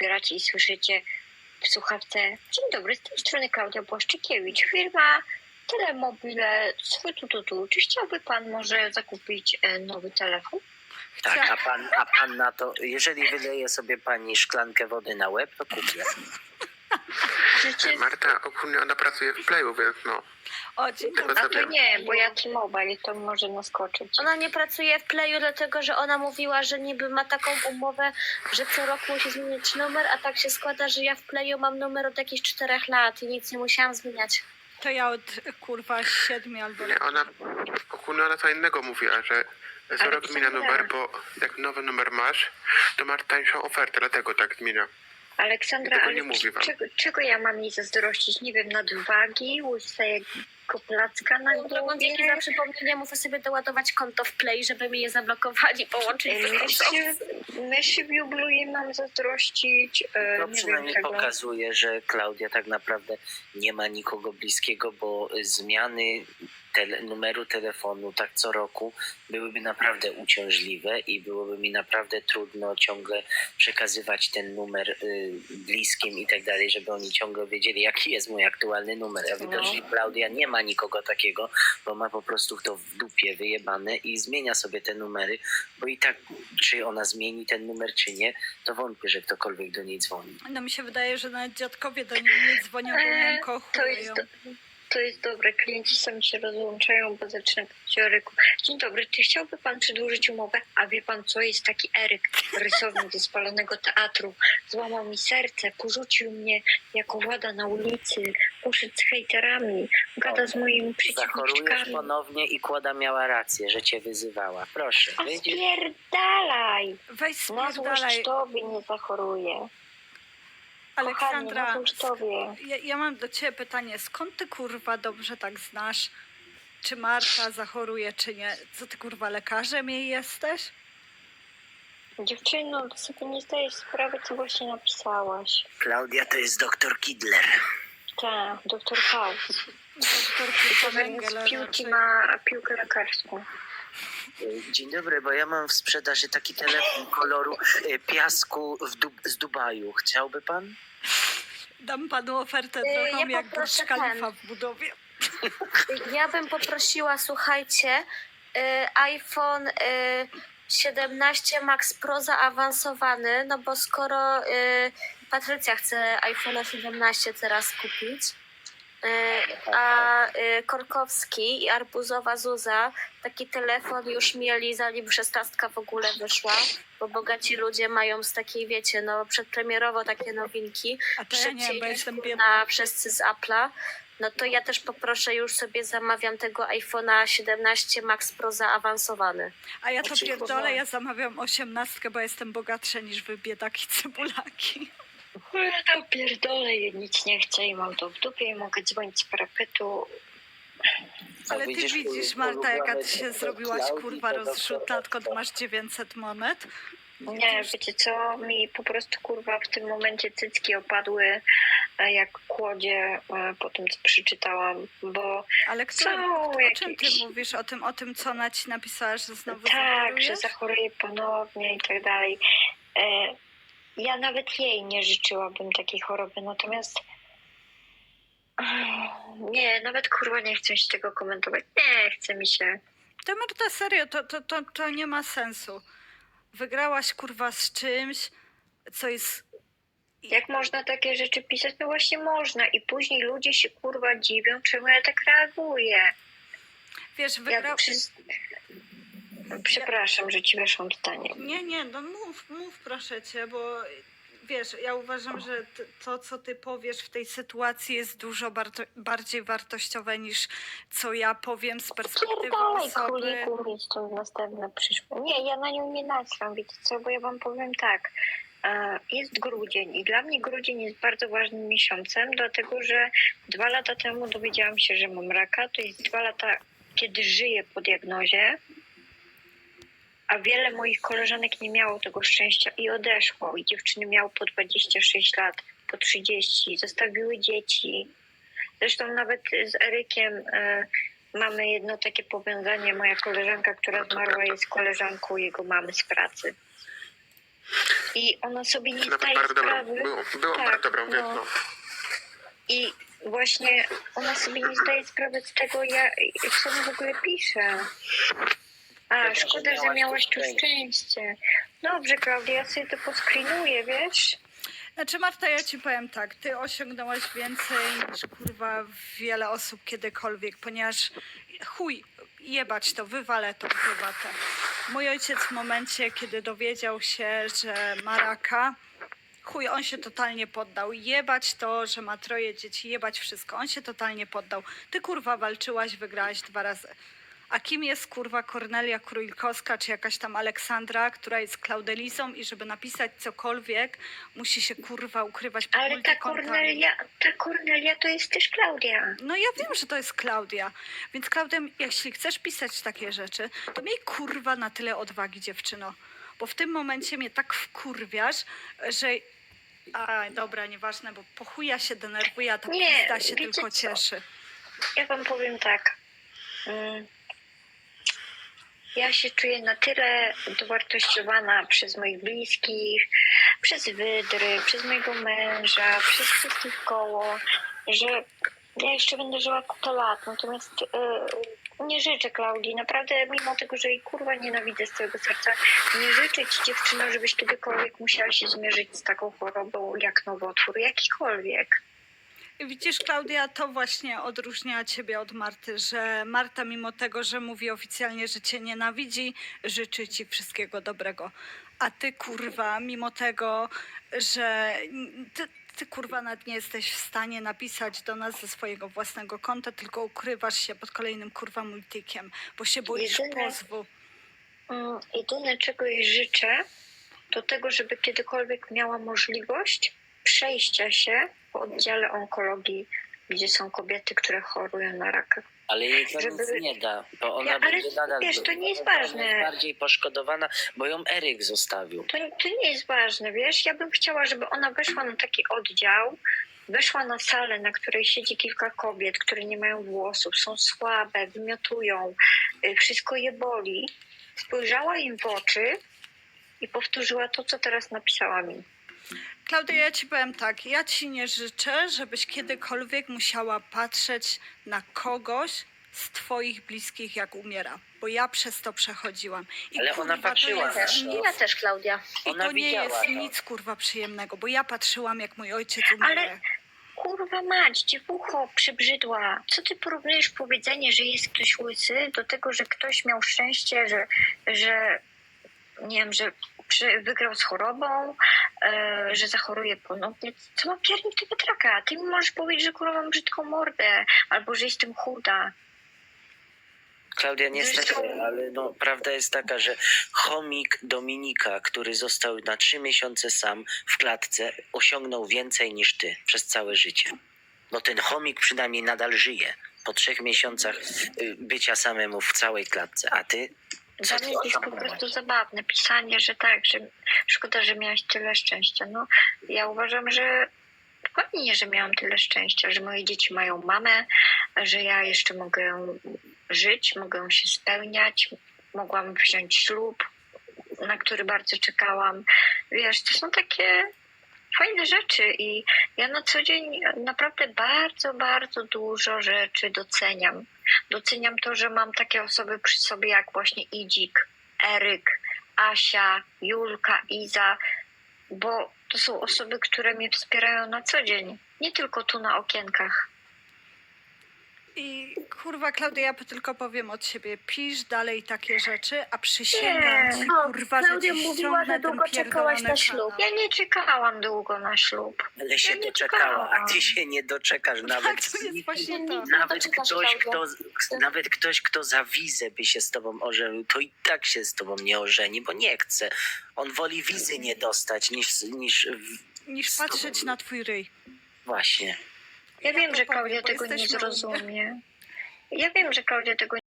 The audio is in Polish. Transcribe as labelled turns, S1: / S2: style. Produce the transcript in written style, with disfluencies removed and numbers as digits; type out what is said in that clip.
S1: odbieracie i słyszycie w słuchawce: dzień dobry, z tej strony Klaudia Błaszczykiewicz, firma Telemobile, czy chciałby pan może zakupić nowy telefon?
S2: Tak, a pan na to, jeżeli wyleje sobie pani szklankę wody na łeb, to kupię.
S3: Marta, ogólnie ona pracuje w Playu, więc no.
S4: O, dzień dobry.
S1: A to nie, bo ja T-Mobile, to może naskoczyć.
S5: Ona nie pracuje w Playu, dlatego że ona mówiła, że niby ma taką umowę, że co roku musi zmienić numer, a tak się składa, że ja w Playu mam numer od jakichś 4 lat i nic nie musiałam zmieniać.
S4: To ja od 7 albo...
S3: Nie, ogólnie ona co innego mówiła, że co rok zmienia numer, bo jak nowy numer masz, to masz tańszą ofertę, dlatego tak zmienia.
S1: Aleksandra,
S3: Tego
S1: ale
S3: nie mówi wam.
S1: czego ja mam jej zazdrościć? Nie wiem, nadwagi, łysego placka na
S5: Drogą
S1: głowie?
S5: dzięki za przypomnienie muszę sobie doładować konto w Play, żeby mi je zablokowali, połączyć z kontą.
S1: Myszy w jublu jej mam zazdrościć.
S2: To
S1: Nie
S2: przynajmniej
S1: wiem czego.
S2: pokazuje, że Klaudia tak naprawdę nie ma nikogo bliskiego, bo zmiany numeru telefonu tak co roku byłyby naprawdę uciążliwe i byłoby mi naprawdę trudno ciągle przekazywać ten numer bliskim i tak dalej, żeby oni ciągle wiedzieli, jaki jest mój aktualny numer. A widocznie Klaudia nie ma nikogo takiego, bo ma po prostu to w dupie wyjebane i zmienia sobie te numery, bo i tak czy ona zmieni ten numer, czy nie, to wątpię, że ktokolwiek do niej dzwoni.
S4: No mi się wydaje, że nawet dziadkowie do niej nie dzwonią, bo ją kochują.
S1: To jest dobre. Klienci sami się rozłączają, bo zaczyna mówić o Eryku. Dzień dobry, czy chciałby pan przedłużyć umowę? A wie pan co? Jest taki Eryk, rysownik ze spalonego teatru. Złamał mi serce, porzucił mnie jako włada na ulicy. Poszedł z hejterami, gada z moimi
S2: Zachorujesz
S1: przeciwniczkami.
S2: ponownie i Kłada miała rację, że cię wyzywała. Proszę.
S1: A spierdalaj!
S4: Weź
S1: Na złość
S4: spierdalaj.
S1: tobie nie zachoruję.
S4: Aleksandra,
S1: Kochanie, na złość tobie.
S4: ja mam do ciebie pytanie. Skąd ty kurwa dobrze tak znasz, czy Marta zachoruje, czy nie? Co ty kurwa lekarzem jej jesteś?
S1: Dziewczyno, ty sobie nie zdajesz sprawy, co właśnie napisałaś.
S2: Klaudia to jest doktor Kidler.
S1: Tak, doktor House.
S4: Doktor
S1: Z
S4: Węgiel
S1: piłki
S4: raczej.
S1: ma piłkę lekarską.
S2: Dzień dobry, bo ja mam w sprzedaży taki telefon koloru piasku z Dubaju. Chciałby pan?
S4: Dam panu ofertę
S5: Ja
S4: taką jak Burj
S5: poproszę
S4: Khalifa w budowie.
S5: Ja bym poprosiła, słuchajcie, iPhone 17 Max Pro zaawansowany, no bo skoro Patrycja chce iPhone 17 teraz kupić, a Korkowski i Arbuzowa Zuza taki telefon już mieli, zanim 16 w ogóle wyszła, bo bogaci ludzie mają z takiej, wiecie, no przedpremierowo takie nowinki,
S4: A to ja nie,
S5: szybciej
S4: bo
S5: niż
S4: jestem
S5: na
S4: biedna.
S5: wszyscy z Apple'a. No to ja też poproszę, już sobie zamawiam tego iPhone'a 17 Max Pro zaawansowany.
S4: A ja to
S2: Znaczy,
S4: pierdolę, ja zamawiam 18, bo jestem bogatsza niż wy biedaki cebulaki.
S1: Ja to pierdolę, ja nic nie chcę i mam to w dupie i mogę dzwonić z parapetu.
S4: Ale ty widzisz, Marta, jaka ty się
S2: ulubiony
S4: zrobiłaś
S2: Klaudii,
S4: kurwa
S2: to
S4: rozrzutna, odkąd masz 900 monet?
S1: Nie, wiecie co, mi po prostu kurwa w tym momencie cycki opadły jak kłodzie po tym, co przeczytałam, bo
S4: Ale o czym ty mówisz? O tym, co ona ci napisała, że znowu
S1: tak, że
S4: zachorujesz?
S1: zachoruję ponownie i tak dalej. Ja nawet jej nie życzyłabym takiej choroby, natomiast nie, nawet kurwa nie chcę się tego komentować. Nie, chce mi się.
S4: To Marta, serio, to nie ma sensu. Wygrałaś kurwa z czymś, co jest...
S1: Jak można takie rzeczy pisać? No właśnie można i później ludzie się kurwa dziwią, czemu ja tak reaguję.
S4: Wiesz,
S1: Przepraszam, że ci weszłam zdanie.
S4: Nie, no mów proszę cię, bo wiesz, ja uważam, że to, co ty powiesz w tej sytuacji jest dużo bardziej wartościowe niż co ja powiem z perspektywy
S1: Pierdolej,
S4: osoby.
S1: króliku, mi stąd następne przyszło. Nie, ja na nią nie naciskam, wiecie co, bo ja wam powiem tak. Jest grudzień i dla mnie grudzień jest bardzo ważnym miesiącem, dlatego że 2 lata temu dowiedziałam się, że mam raka. To jest 2 lata, kiedy żyję po diagnozie, a wiele moich koleżanek nie miało tego szczęścia i odeszło. I dziewczyny miały po 26 lat, po 30, zostawiły dzieci. Zresztą nawet z Erykiem mamy jedno takie powiązanie. Moja koleżanka, która zmarła, jest koleżanką jego mamy z pracy. I ona sobie nie
S3: To nawet
S1: zdaje
S3: bardzo dobrą,
S1: sprawy.
S3: było
S1: Tak,
S3: bardzo dobrą, więc
S1: no.
S3: no.
S1: I właśnie ona sobie nie zdaje sprawy z tego, co mi w ogóle pisze. A, szkoda, że miałaś tu szczęście. Dobrze, Klaudia, ja sobie to poskrinuję, wiesz?
S4: Znaczy Marta, ja ci powiem tak, ty osiągnęłaś więcej niż kurwa wiele osób kiedykolwiek, ponieważ chuj, jebać to, wywalę to w prywatę. Mój ojciec w momencie, kiedy dowiedział się, że ma raka, chuj, on się totalnie poddał. Jebać to, że ma 3 dzieci, jebać wszystko. On się totalnie poddał. Ty kurwa walczyłaś, wygrałaś 2 razy. A kim jest kurwa Kornelia Królikowska, czy jakaś tam Aleksandra, która jest Klaudelizą i żeby napisać cokolwiek, musi się kurwa ukrywać pod
S1: Ale ta
S4: multikontami.
S1: Kornelia to jest też Klaudia.
S4: No ja wiem, że to jest Klaudia. Więc Klaudia, jeśli chcesz pisać takie rzeczy, to miej kurwa na tyle odwagi, dziewczyno. Bo w tym momencie mnie tak wkurwiasz, że... A, dobra, nieważne, bo po chuja się denerwuje, a ta
S1: Nie,
S4: pizda się
S1: wiecie
S4: tylko
S1: co?
S4: cieszy.
S1: Ja wam powiem tak. Ja się czuję na tyle dowartościowana przez moich bliskich, przez wydry, przez mojego męża, przez wszystkich koło, że ja jeszcze będę żyła 100 lat. Natomiast nie życzę Klaudii, naprawdę, mimo tego, że jej kurwa nienawidzę z całego serca, nie życzę ci, dziewczyno, żebyś kiedykolwiek musiała się zmierzyć z taką chorobą jak nowotwór, jakikolwiek.
S4: Widzisz, Klaudia, to właśnie odróżnia ciebie od Marty, że Marta mimo tego, że mówi oficjalnie, że cię nienawidzi, życzy ci wszystkiego dobrego. A ty, kurwa, mimo tego, że ty kurwa, nawet nie jesteś w stanie napisać do nas ze swojego własnego konta, tylko ukrywasz się pod kolejnym, kurwa, multikiem, bo się boisz
S1: Jedyne-
S4: pozwu.
S1: Jedyne, czego jej życzę, to tego, żeby kiedykolwiek miała możliwość przejścia się po oddziale onkologii, gdzie są kobiety, które chorują na raka.
S2: Ale jej to
S1: Żeby-
S2: nic nie da, bo ona
S1: Ale
S2: będzie nadal...
S1: wiesz, to nie jest
S2: ona
S1: ważne.
S2: jest bardziej poszkodowana, bo ją Eryk zostawił.
S1: To nie jest ważne, wiesz? Ja bym chciała, żeby ona weszła na taki oddział, weszła na salę, na której siedzi kilka kobiet, które nie mają włosów, są słabe, wymiotują, wszystko je boli. Spojrzała im w oczy i powtórzyła to, co teraz napisała mi.
S4: Klaudia, ja ci powiem tak, ja ci nie życzę, żebyś kiedykolwiek musiała patrzeć na kogoś z twoich bliskich, jak umiera, bo ja przez to przechodziłam. I
S2: Ale ona
S4: kurwa,
S2: patrzyła
S4: to
S2: na
S4: jest
S2: to.
S4: nic,
S5: Ja też, Klaudia.
S4: i
S2: Ona
S4: to nie
S2: widziała
S4: jest
S2: to.
S4: nic kurwa przyjemnego, bo ja patrzyłam, jak mój ojciec umiera.
S1: Ale- Kurwa mać, dziewucho przybrzydła. Co ty porównujesz powiedzenie, że jest ktoś łysy do tego, że ktoś miał szczęście, że nie wiem, że wygrał z chorobą, że zachoruje ponownie. Co ma piernik tego traka? Ty mi możesz powiedzieć, że kurwa mam brzydką mordę, albo że jestem chuda.
S2: Klaudia, niestety,
S1: Zresztą-
S2: ale no, prawda jest taka, że chomik Dominika, który został na 3 miesiące sam w klatce, osiągnął więcej niż ty przez całe życie. No ten chomik przynajmniej nadal żyje po 3 miesiącach bycia samemu w całej klatce, a ty...
S1: Dla mnie to jest po prostu zabawne pisanie, że tak, że szkoda, że miałaś tyle szczęścia. No, ja uważam, że fajnie, że miałam tyle szczęścia, że moje dzieci mają mamę, że ja jeszcze mogę żyć, mogę się spełniać, mogłam wziąć ślub, na który bardzo czekałam. Wiesz, to są takie fajne rzeczy i ja na co dzień naprawdę bardzo, bardzo dużo rzeczy doceniam. Doceniam to, że mam takie osoby przy sobie jak właśnie Idzik, Eryk, Asia, Julka, Iza, bo to są osoby, które mnie wspierają na co dzień, nie tylko tu na okienkach.
S4: I kurwa, Klaudia, ja tylko powiem od siebie, pisz dalej takie rzeczy, a przysięgam
S1: Nie.
S4: ci,
S5: O,
S4: kurwa, że
S5: Klaudia
S4: ci
S5: mówiła,
S4: ściągnę
S5: że
S4: ten
S5: długo czekałaś na
S4: pierdolony
S5: ślub.
S4: kanał.
S1: Ja nie czekałam długo na ślub.
S2: Ale się
S1: Ja nie
S2: doczekała, a
S1: czekałam.
S2: ty się nie doczekasz nawet.
S4: Tak, to jest właśnie to.
S2: Nawet ktoś, kto za wizę by się z tobą ożenił, to i tak się z tobą nie ożeni, bo nie chce. On woli wizy nie dostać
S4: Niż patrzeć na twój ryj.
S2: Właśnie.
S1: Ja wiem,
S4: to
S1: że
S4: powiem,
S1: Klaudia
S4: bo
S1: tego nie
S4: jesteśmy równi.
S1: zrozumie. Ja wiem, że Klaudia tego